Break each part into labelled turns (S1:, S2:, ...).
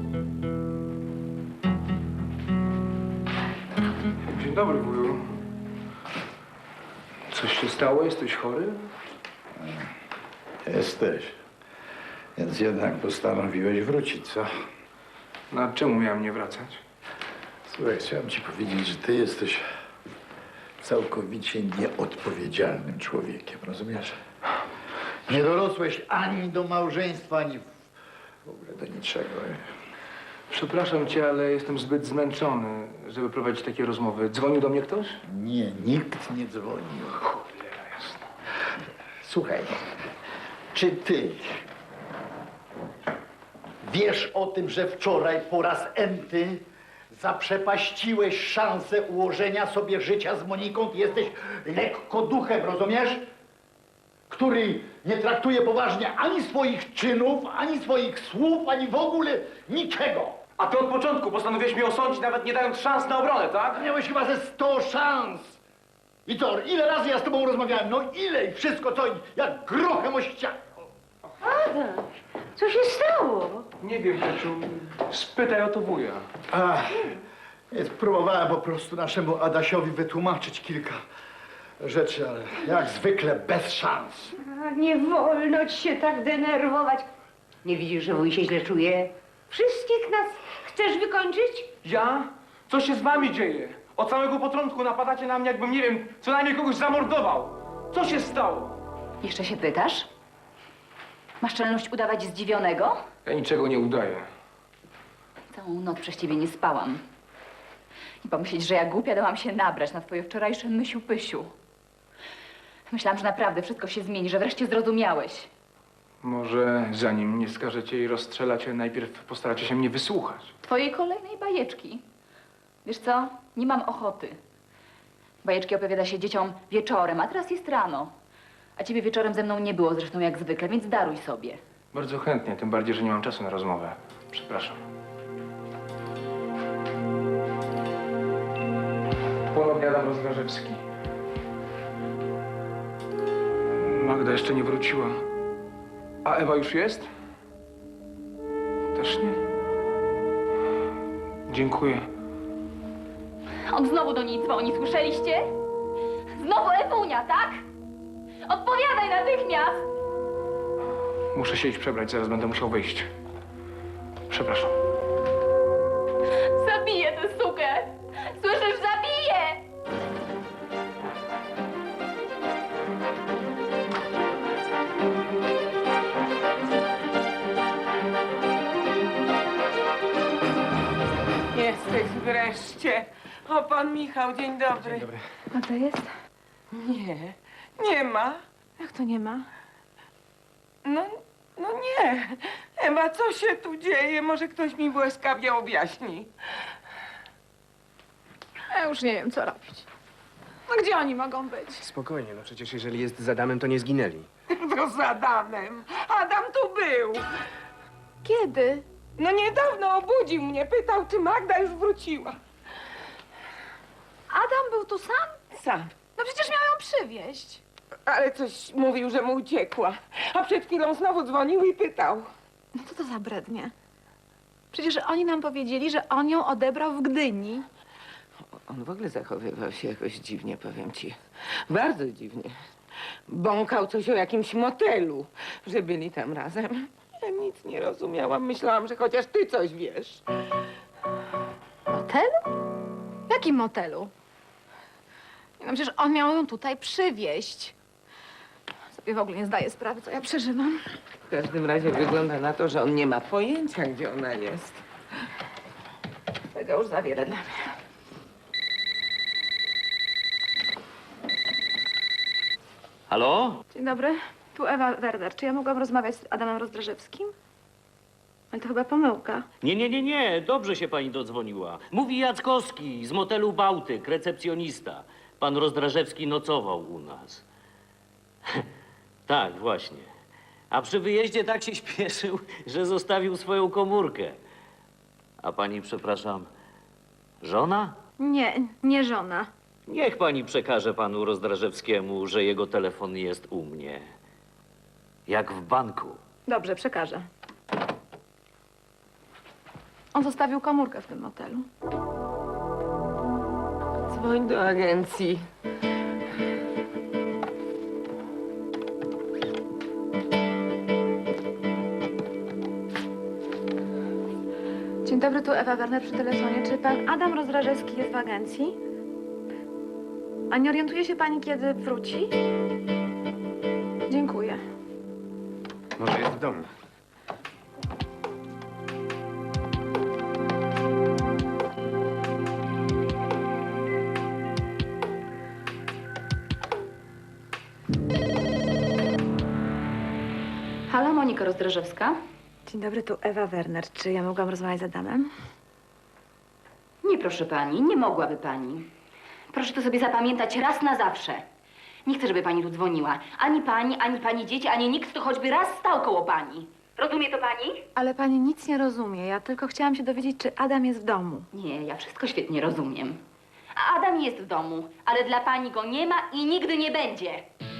S1: Dzień dobry, wuju. Coś się stało? Jesteś chory?
S2: Jesteś. Więc jednak postanowiłeś wrócić, co?
S1: No, a czemu miałem nie wracać?
S2: Słuchaj, chciałem ci powiedzieć, że ty jesteś całkowicie nieodpowiedzialnym człowiekiem, rozumiesz? Nie dorosłeś ani do małżeństwa, ani w ogóle do niczego.
S1: Przepraszam cię, ale jestem zbyt zmęczony, żeby prowadzić takie rozmowy. Dzwonił do mnie ktoś?
S2: Nie, nikt nie dzwonił.
S1: Cholera jasna.
S2: Słuchaj, czy ty wiesz o tym, że wczoraj po raz enty zaprzepaściłeś szansę ułożenia sobie życia z Moniką? Ty jesteś lekko duchem, rozumiesz? Który nie traktuje poważnie ani swoich czynów, ani swoich słów, ani w ogóle niczego.
S1: A ty od początku postanowiłeś mnie osądzić, nawet nie dając szans na obronę, tak?
S2: Miałeś chyba ze 100 szans. I co, ile razy ja z tobą rozmawiałem? No ile i wszystko co, jak grochem o ścianę.
S3: Adam, co się stało?
S1: Nie wiem, Peciu. Spytaj o to wuja.
S2: Próbowałem po prostu naszemu Adasiowi wytłumaczyć kilka rzeczy, ale jak zwykle bez szans.
S3: A, nie wolno ci się tak denerwować. Nie widzisz, że wuj się źle czuje? Wszystkich nas chcesz wykończyć?
S1: Ja? Co się z wami dzieje? Od samego początku napadacie na mnie, jakbym, nie wiem, co najmniej kogoś zamordował. Co się stało?
S4: Jeszcze się pytasz? Masz czelność udawać zdziwionego?
S1: Ja niczego nie udaję.
S4: Całą noc przez ciebie nie spałam. I pomyśleć, że ja głupia dałam się nabrać na twoje wczorajsze mysiu-pysiu. Myślałam, że naprawdę wszystko się zmieni, że wreszcie zrozumiałeś.
S1: Może zanim mnie skażecie i rozstrzelacie, najpierw postaracie się mnie wysłuchać.
S4: Twojej kolejnej bajeczki. Wiesz co? Nie mam ochoty. Bajeczki opowiada się dzieciom wieczorem, a teraz jest rano. A ciebie wieczorem ze mną nie było, zresztą jak zwykle, więc daruj sobie.
S1: Bardzo chętnie, tym bardziej, że nie mam czasu na rozmowę. Przepraszam. Ponownie Adam Rozdrażewski. Magda jeszcze nie wróciła. A Ewa już jest? Też nie? Dziękuję.
S4: On znowu do niej dzwoni, słyszeliście? Znowu Ewunia, tak? Odpowiadaj natychmiast!
S1: Muszę się iść przebrać, zaraz będę musiał wyjść. Przepraszam.
S4: Zabiję tę sukę! Słyszysz, zabiję!
S5: Jesteś wreszcie. O, pan Michał, dzień dobry.
S1: Dzień dobry.
S4: A to jest?
S5: Nie, nie ma.
S4: Jak to nie ma?
S5: No nie. Ewa, co się tu dzieje? Może ktoś mi błyskawie objaśni.
S6: Ja już nie wiem, co robić. No gdzie oni mogą być?
S7: Spokojnie, no przecież jeżeli jest z Adamem, to nie zginęli.
S5: To z Adamem. Adam tu był.
S6: Kiedy?
S5: No niedawno obudził mnie, pytał, czy Magda już wróciła.
S6: Adam był tu sam?
S5: Sam.
S6: No przecież miał ją przywieźć.
S5: Ale coś mówił, że mu uciekła. A przed chwilą znowu dzwonił i pytał.
S6: No co to za brednie? Przecież oni nam powiedzieli, że on ją odebrał w Gdyni.
S5: On w ogóle zachowywał się jakoś dziwnie, powiem ci. Bardzo dziwnie. Bąkał coś o jakimś motelu, że byli tam razem. Ja nic nie rozumiałam. Myślałam, że chociaż ty coś wiesz.
S6: Motelu? W jakim motelu? No przecież on miał ją tutaj przywieźć. Sobie w ogóle nie zdaję sprawy, co ja przeżywam.
S5: W każdym razie wygląda na to, że on nie ma pojęcia, gdzie ona jest. Tego już za wiele dla mnie.
S8: Halo?
S6: Dzień dobry, tu Ewa Werder. Czy ja mogłam rozmawiać z Adamem Rozdrażewskim? Ale to chyba pomyłka.
S8: Nie, dobrze się pani dodzwoniła. Mówi Jackowski z motelu Bałtyk, recepcjonista. Pan Rozdrażewski nocował u nas. Tak, właśnie. A przy wyjeździe tak się śpieszył, że zostawił swoją komórkę. A pani, przepraszam, żona?
S6: Nie, nie żona.
S8: Niech pani przekaże panu Rozdrażewskiemu, że jego telefon jest u mnie. Jak w banku.
S6: Dobrze, przekażę. On zostawił komórkę w tym motelu.
S5: Dzwoń do agencji.
S6: Dzień dobry, tu Ewa Werner przy telefonie. Czy pan Adam Rozdrażewski jest w agencji? A nie orientuje się pani, kiedy wróci? Dziękuję.
S7: Może jest w domu.
S4: Halo, Monika Rozdrażewska?
S6: Dzień dobry, tu Ewa Werner. Czy ja mogłam rozmawiać z Adamem?
S4: Nie, proszę pani, nie mogłaby pani. Proszę to sobie zapamiętać raz na zawsze. Nie chcę, żeby pani tu dzwoniła. Ani pani dzieci, ani nikt, kto choćby raz stał koło pani. Rozumie to pani?
S6: Ale pani nic nie rozumie. Ja tylko chciałam się dowiedzieć, czy Adam jest w domu.
S4: Nie, ja wszystko świetnie rozumiem. A Adam jest w domu, ale dla pani go nie ma i nigdy nie będzie.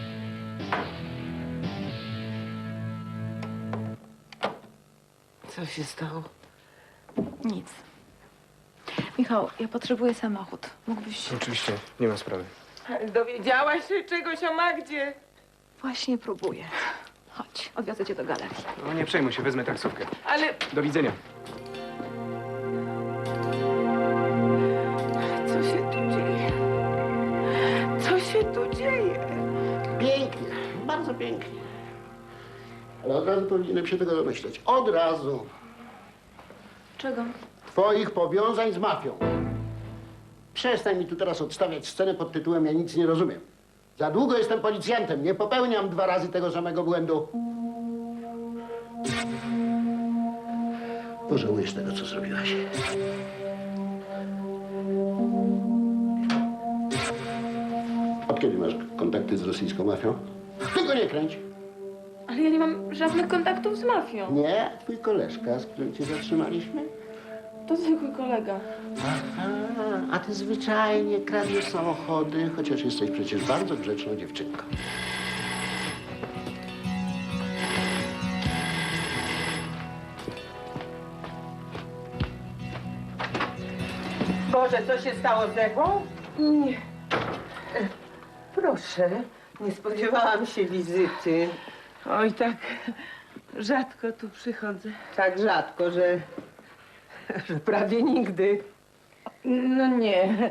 S5: Co się stało?
S6: Nic. Michał, ja potrzebuję samochód. Mógłbyś...
S7: Oczywiście, nie ma sprawy.
S5: Dowiedziałaś się czegoś o Magdzie?
S6: Właśnie próbuję. Chodź, odwiozę cię do galerii.
S7: No nie przejmuj się, wezmę taksówkę.
S5: Ale
S7: Do widzenia.
S5: co się tu dzieje? Co się tu dzieje?
S9: Pięknie, bardzo pięknie. Ale od razu powinienem się tego domyśleć. Od razu.
S6: Czego?
S9: Twoich powiązań z mafią. Przestań mi tu teraz odstawiać scenę pod tytułem Ja nic nie rozumiem. Za długo jestem policjantem, nie popełniam 2 razy tego samego błędu. Pożałujesz tego, co zrobiłaś. Od kiedy masz kontakty z rosyjską mafią? Tylko nie kręć.
S6: Ale ja nie mam żadnych kontaktów z mafią.
S9: Nie, twój koleżka, z którym cię zatrzymaliśmy?
S6: To zwykły kolega.
S9: Aha, a ty zwyczajnie kradniesz samochody, chociaż jesteś przecież bardzo grzeczną dziewczynką.
S5: Boże, co się stało z Ewą? Nie. Proszę, nie spodziewałam się wizyty. Oj, tak rzadko tu przychodzę. Tak rzadko, że prawie nigdy. No nie.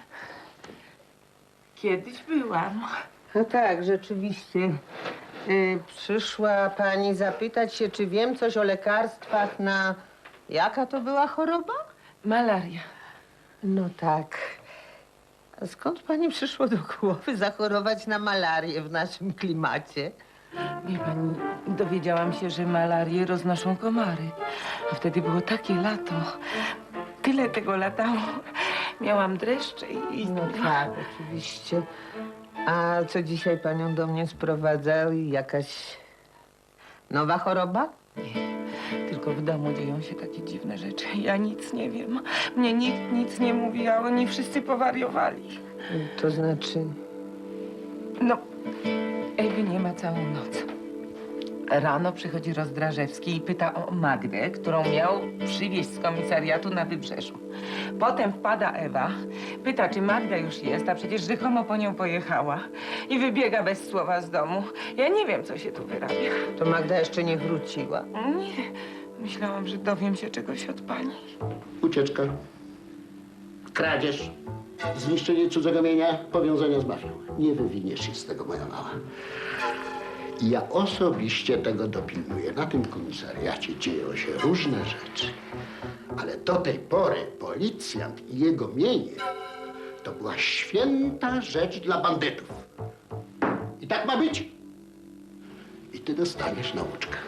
S5: Kiedyś byłam.
S10: No tak, rzeczywiście. Przyszła pani zapytać się, czy wiem coś o lekarstwach na... Jaka to była choroba?
S5: Malaria.
S10: No tak. A skąd pani przyszło do głowy zachorować na malarię w naszym klimacie?
S5: Wie pani, dowiedziałam się, że malarię roznoszą komary. A wtedy było takie lato. Tyle tego latało. Miałam dreszcze i...
S10: No tak, oczywiście. A co dzisiaj panią do mnie sprowadza? Jakaś nowa choroba?
S5: Tylko w domu dzieją się takie dziwne rzeczy. Ja nic nie wiem. Mnie nikt nic nie mówi, a oni wszyscy powariowali.
S10: To znaczy...
S5: No, Ewy nie ma całą noc. Rano przychodzi Rozdrażewski i pyta o Magdę, którą miał przywieźć z komisariatu na Wybrzeżu. Potem wpada Ewa, pyta, czy Magda już jest, a przecież rzekomo po nią pojechała. I wybiega bez słowa z domu. Ja nie wiem, co się tu wyrabia.
S10: To Magda jeszcze nie wróciła.
S5: Nie, myślałam, że dowiem się czegoś od pani.
S9: Ucieczka, kradzież, zniszczenie cudzego mienia, powiązania z mafią. Nie wywiniesz się z tego, moja mała. I ja osobiście tego dopilnuję. Na tym komisariacie dzieją się różne rzeczy. Ale do tej pory policjant i jego mienie to była święta rzecz dla bandytów. I tak ma być. I ty dostaniesz nauczkę.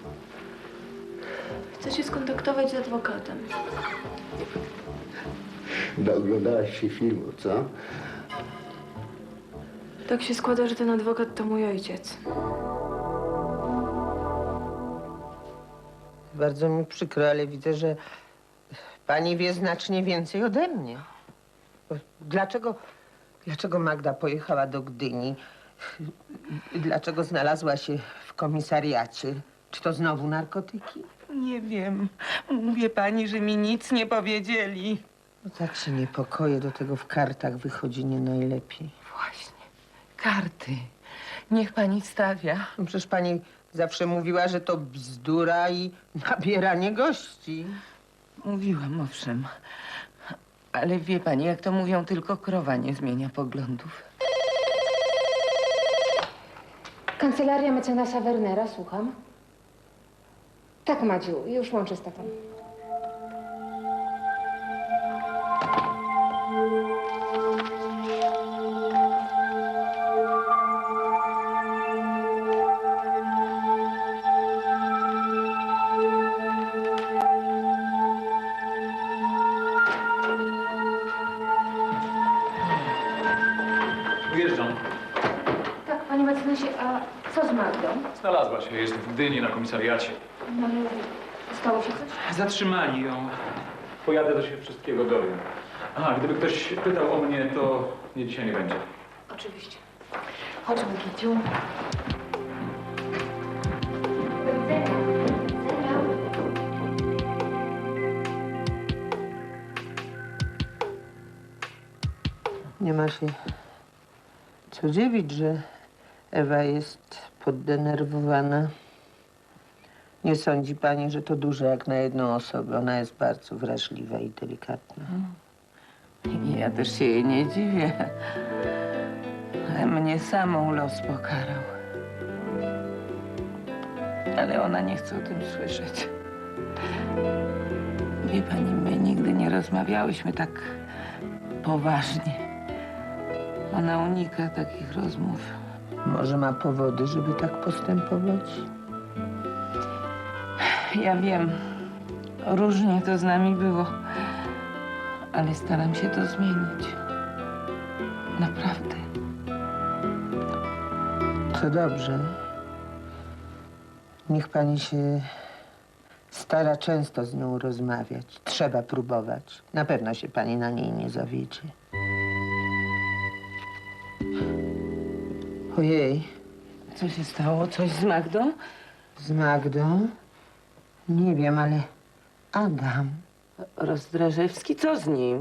S11: Chcę się skontaktować z adwokatem.
S9: Oglądałaś się filmu, co?
S11: Tak się składa, że ten adwokat to mój ojciec.
S10: Bardzo mi przykro, ale widzę, że pani wie znacznie więcej ode mnie. Dlaczego Magda pojechała do Gdyni? Dlaczego znalazła się w komisariacie? Czy to znowu narkotyki?
S5: Nie wiem. Mówię pani, że mi nic nie powiedzieli.
S10: No tak się niepokoję, do tego w kartach wychodzi nie najlepiej.
S5: Właśnie. Karty. Niech pani stawia.
S10: No przecież pani zawsze mówiła, że to bzdura i nabieranie gości.
S5: Mówiłam, owszem. Ale wie pani, jak to mówią, tylko krowa nie zmienia poglądów.
S3: Kancelaria mecenasa Wernera, słucham. Tak, Madziu, już łączę z tatą.
S1: Wyjeżdżam.
S3: Tak, panie mecenasie, a co z Magdą?
S1: Znalazła się, jest w Gdyni na komisariacie.
S3: No, ale stało się coś?
S1: Zatrzymali ją. Pojadę, to się wszystkiego dowiem. Aha, gdyby ktoś pytał o mnie, to mnie dzisiaj nie będzie.
S3: Oczywiście. Chodźmy, Kiciu. Do widzenia. Do widzenia.
S10: Nie ma się co dziwić, że Ewa jest poddenerwowana. Nie sądzi pani, że to dużo jak na jedną osobę. Ona jest bardzo wrażliwa i delikatna.
S5: Ja też się jej nie dziwię. Ale mnie samą los pokarał. Ale ona nie chce o tym słyszeć. Wie pani, my nigdy nie rozmawiałyśmy tak poważnie. Ona unika takich rozmów.
S10: Może ma powody, żeby tak postępować?
S5: Ja wiem, różnie to z nami było, ale staram się to zmienić. Naprawdę.
S10: To dobrze. Niech pani się stara często z nią rozmawiać. Trzeba próbować. Na pewno się pani na niej nie zawiedzie. Ojej,
S5: Co się stało? Coś z Magdą?
S10: z Magdą? Nie wiem, ale Adam.
S5: Rozdrażewski, co z nim?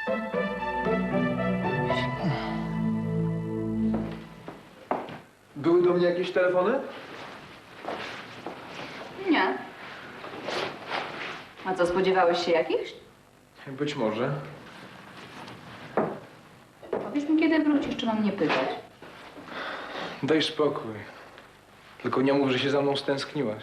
S1: Były do mnie jakieś telefony?
S4: Nie. A co, spodziewałeś się jakichś?
S1: Być może.
S4: Powiedz mi, kiedy wrócisz, czy mam nie pytać?
S1: Daj spokój. Tylko nie mów, że się za mną stęskniłaś.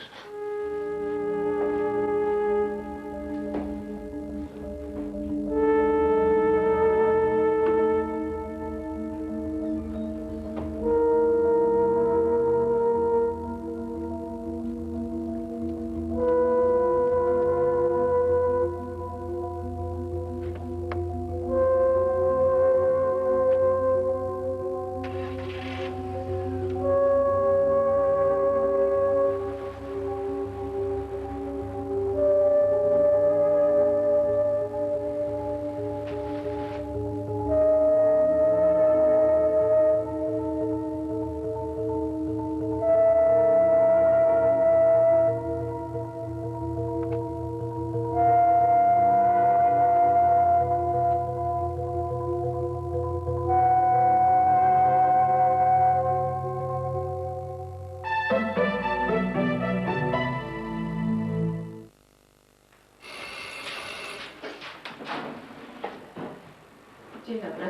S4: Dzień dobry.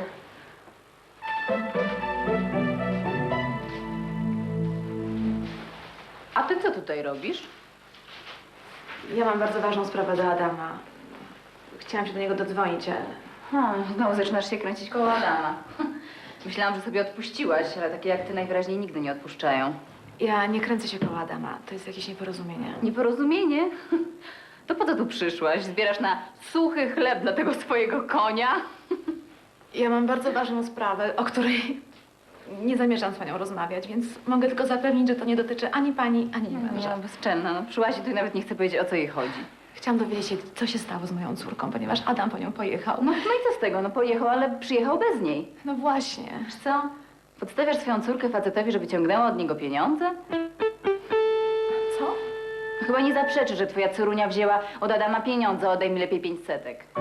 S4: A ty co tutaj robisz?
S11: Ja mam bardzo ważną sprawę do Adama. Chciałam się do niego dodzwonić, ale...
S4: Znowu zaczynasz się kręcić koło Adama. Myślałam, że sobie odpuściłaś, ale takie jak ty najwyraźniej nigdy nie odpuszczają.
S11: Ja nie kręcę się koło Adama. To jest jakieś nieporozumienie.
S4: Nieporozumienie? To po co tu przyszłaś? Zbierasz na suchy chleb dla tego swojego konia?
S11: Ja mam bardzo ważną sprawę, o której nie zamierzam z panią rozmawiać, więc mogę tylko zapewnić, że to nie dotyczy ani pani, ani męża.
S4: Ja bezczelna, no przyszłaś i tu i nawet nie chcę powiedzieć, o co jej chodzi.
S11: Chciałam dowiedzieć się, co się stało z moją córką, ponieważ Adam po nią pojechał.
S4: No i co z tego? No pojechał, ale przyjechał bez niej.
S11: No właśnie.
S4: Wiesz co? Podstawiasz swoją córkę facetowi, żeby ciągnęła od niego pieniądze?
S11: Co?
S4: Chyba nie zaprzeczy, że twoja córunia wzięła od Adama pieniądze. Oddaj mi lepiej 500.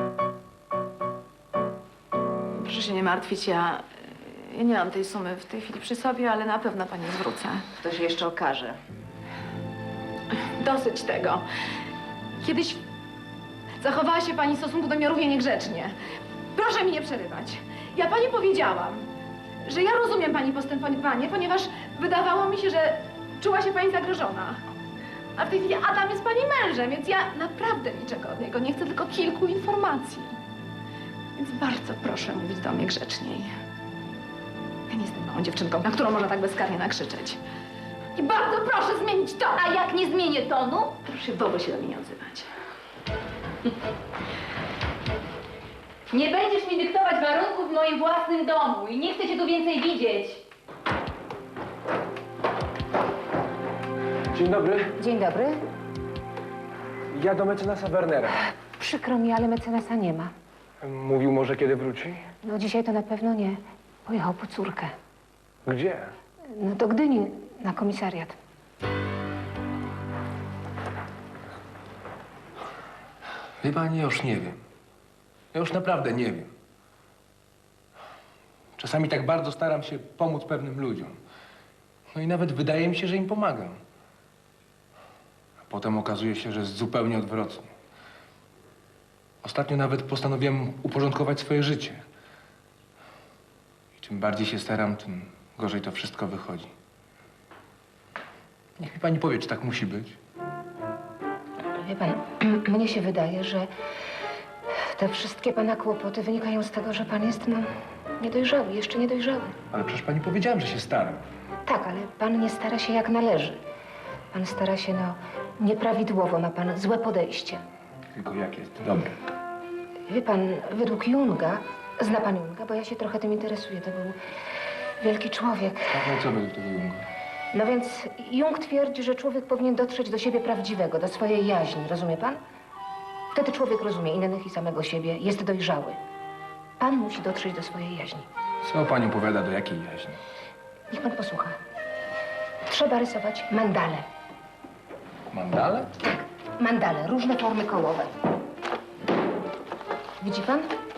S11: Proszę się nie martwić, ja nie mam tej sumy w tej chwili przy sobie, ale na pewno pani zwrócę.
S4: To się jeszcze okaże.
S11: Dosyć tego. Kiedyś zachowała się pani w stosunku do mnie równie niegrzecznie. Proszę mi nie przerywać. Ja pani powiedziałam, że ja rozumiem pani postępowanie, ponieważ wydawało mi się, że czuła się pani zagrożona. A w tej chwili Adam jest pani mężem, więc ja naprawdę niczego od niego nie chcę, tylko kilku informacji. Więc bardzo proszę mówić do mnie grzeczniej. Ja nie jestem małą dziewczynką, na którą można tak bezkarnie nakrzyczeć. I bardzo proszę zmienić to!
S4: A jak nie zmienię tonu?
S11: Proszę w ogóle się do mnie nie odzywać.
S4: Nie będziesz mi dyktować warunków w moim własnym domu i nie chcę cię tu więcej widzieć.
S1: Dzień dobry.
S3: Dzień dobry.
S1: Ja do mecenasa Wernera.
S3: Przykro mi, ale mecenasa nie ma.
S1: Mówił może, kiedy wróci?
S3: No dzisiaj to na pewno nie. Pojechał po córkę.
S1: Gdzie?
S3: No do Gdyni, na komisariat.
S7: Wie pani, ja już nie wiem. Ja już naprawdę nie wiem. Czasami tak bardzo staram się pomóc pewnym ludziom. No i nawet wydaje mi się, że im pomagam. A potem okazuje się, że jest zupełnie odwrotnie. Ostatnio nawet postanowiłem uporządkować swoje życie. I czym bardziej się staram, tym gorzej to wszystko wychodzi. Niech mi pani powie, czy tak musi być.
S3: Wie pan, mnie się wydaje, że te wszystkie pana kłopoty wynikają z tego, że pan jest, no, niedojrzały, jeszcze niedojrzały.
S7: Ale przecież pani powiedziałem, że się staram.
S3: Tak, ale pan nie stara się jak należy. Pan stara się, no, nieprawidłowo, ma pan złe podejście.
S7: Tylko jak jest dobre.
S3: Wie pan, według Junga, zna pan Junga, bo ja się trochę tym interesuję, to był wielki człowiek.
S7: No i co według tego Junga?
S3: No więc Jung twierdzi, że człowiek powinien dotrzeć do siebie prawdziwego, do swojej jaźni, rozumie pan? Wtedy człowiek rozumie innych i samego siebie, jest dojrzały. Pan musi dotrzeć do swojej jaźni.
S7: Co pani opowiada, do jakiej jaźni?
S3: Niech pan posłucha. Trzeba rysować mandale.
S7: Mandale?
S3: Mandale, różne formy kołowe. Widzi pan?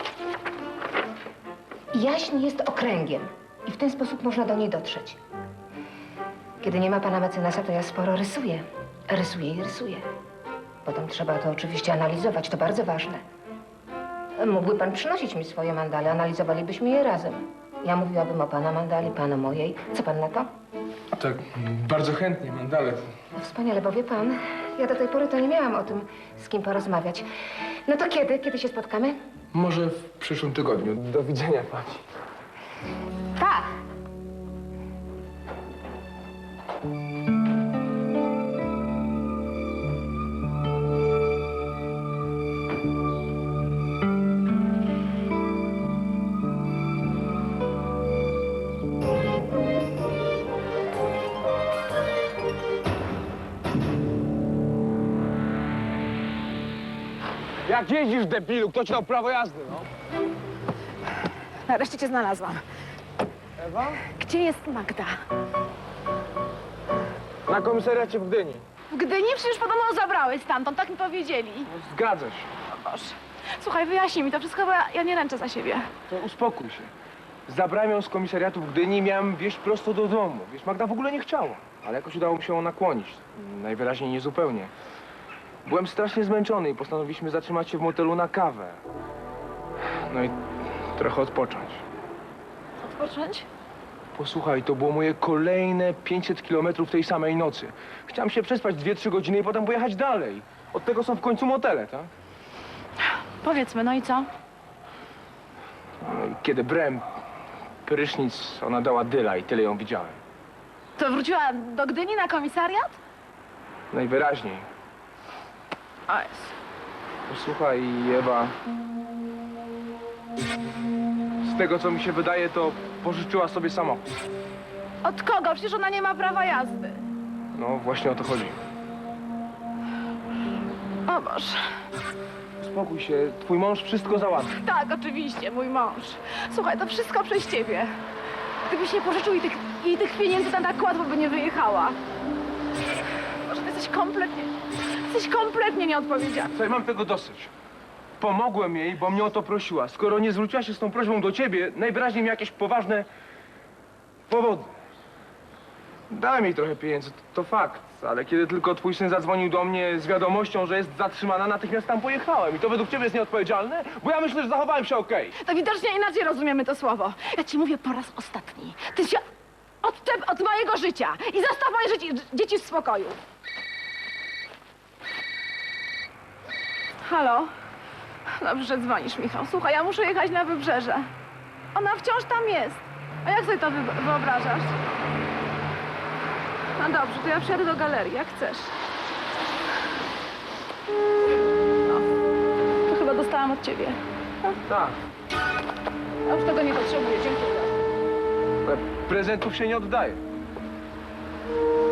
S3: Jaźń jest okręgiem i w ten sposób można do niej dotrzeć. Kiedy nie ma pana mecenasa, to ja sporo rysuję. Rysuję i rysuję. Potem trzeba to oczywiście analizować, to bardzo ważne. Mógłby pan przynosić mi swoje mandale, analizowalibyśmy je razem. Ja mówiłabym o pana mandali, pan o mojej. Co pan na to?
S7: Tak, bardzo chętnie, mandale.
S3: No wspaniale, bo wie pan, ja do tej pory to nie miałam o tym, z kim porozmawiać. No to kiedy? Kiedy się spotkamy?
S7: Może w przyszłym tygodniu. Do widzenia pani.
S3: Tak.
S1: Jak jeździsz, debilu? Kto ci dał prawo jazdy, no?
S6: Nareszcie cię znalazłam.
S1: Ewa?
S6: Gdzie jest Magda?
S1: Na komisariacie w Gdyni.
S6: W Gdyni? Przecież podobno zabrałeś stamtąd, tak mi powiedzieli.
S1: Zgadza się.
S6: O Boże. Słuchaj, wyjaśnij mi to wszystko, bo ja nie ręczę za siebie.
S1: To uspokój się. Zabrałem ją z komisariatu w Gdyni i miałem wieźć prosto do domu. Wiesz, Magda w ogóle nie chciała. Ale jakoś udało mi się ją nakłonić. Najwyraźniej niezupełnie. Byłem strasznie zmęczony i postanowiliśmy zatrzymać się w motelu na kawę. No i trochę odpocząć.
S6: Odpocząć?
S1: Posłuchaj, to było moje kolejne 500 kilometrów tej samej nocy. Chciałem się przespać 2-3 godziny i potem pojechać dalej. Od tego są w końcu motele, tak?
S6: Powiedzmy, no i co?
S1: No i kiedy brałem prysznic, ona dała dyla i tyle ją widziałem.
S6: To wróciła do Gdyni na komisariat?
S1: Najwyraźniej.
S6: O jest.
S1: Posłuchaj, Ewa. Z tego, co mi się wydaje, to pożyczyła sobie samochód.
S6: Od kogo? Przecież ona nie ma prawa jazdy.
S1: No, właśnie o to chodzi.
S6: O Boże.
S1: Spokój się, twój mąż wszystko załatwi.
S6: Tak, oczywiście, mój mąż. Słuchaj, to wszystko przez ciebie. Gdybyś nie pożyczył jej tych pieniędzy, to tak łatwo by nie wyjechała. Boże, ty jesteś
S11: Jesteś kompletnie nieodpowiedzialny.
S1: Słuchaj, mam tego dosyć. Pomogłem jej, bo mnie o to prosiła. Skoro nie zwróciła się z tą prośbą do ciebie, najwyraźniej miała jakieś poważne powody. Dałem jej trochę pieniędzy, to fakt. Ale kiedy tylko twój syn zadzwonił do mnie z wiadomością, że jest zatrzymana, natychmiast tam pojechałem. I to według ciebie jest nieodpowiedzialne? Bo ja myślę, że zachowałem się okej.
S11: To widocznie inaczej rozumiemy to słowo. Ja ci mówię po raz ostatni. Ty się odczep od mojego życia i zostaw moje dzieci w spokoju. Halo? Dobrze, że dzwonisz, Michał. Słuchaj, ja muszę jechać na wybrzeże. Ona wciąż tam jest. A jak sobie to wyobrażasz? No dobrze, to ja przyjadę do galerii, jak chcesz. No, to chyba dostałam od ciebie.
S1: Tak.
S11: Ja już tego nie potrzebuję, dziękuję.
S1: Ale prezentów się nie oddaje.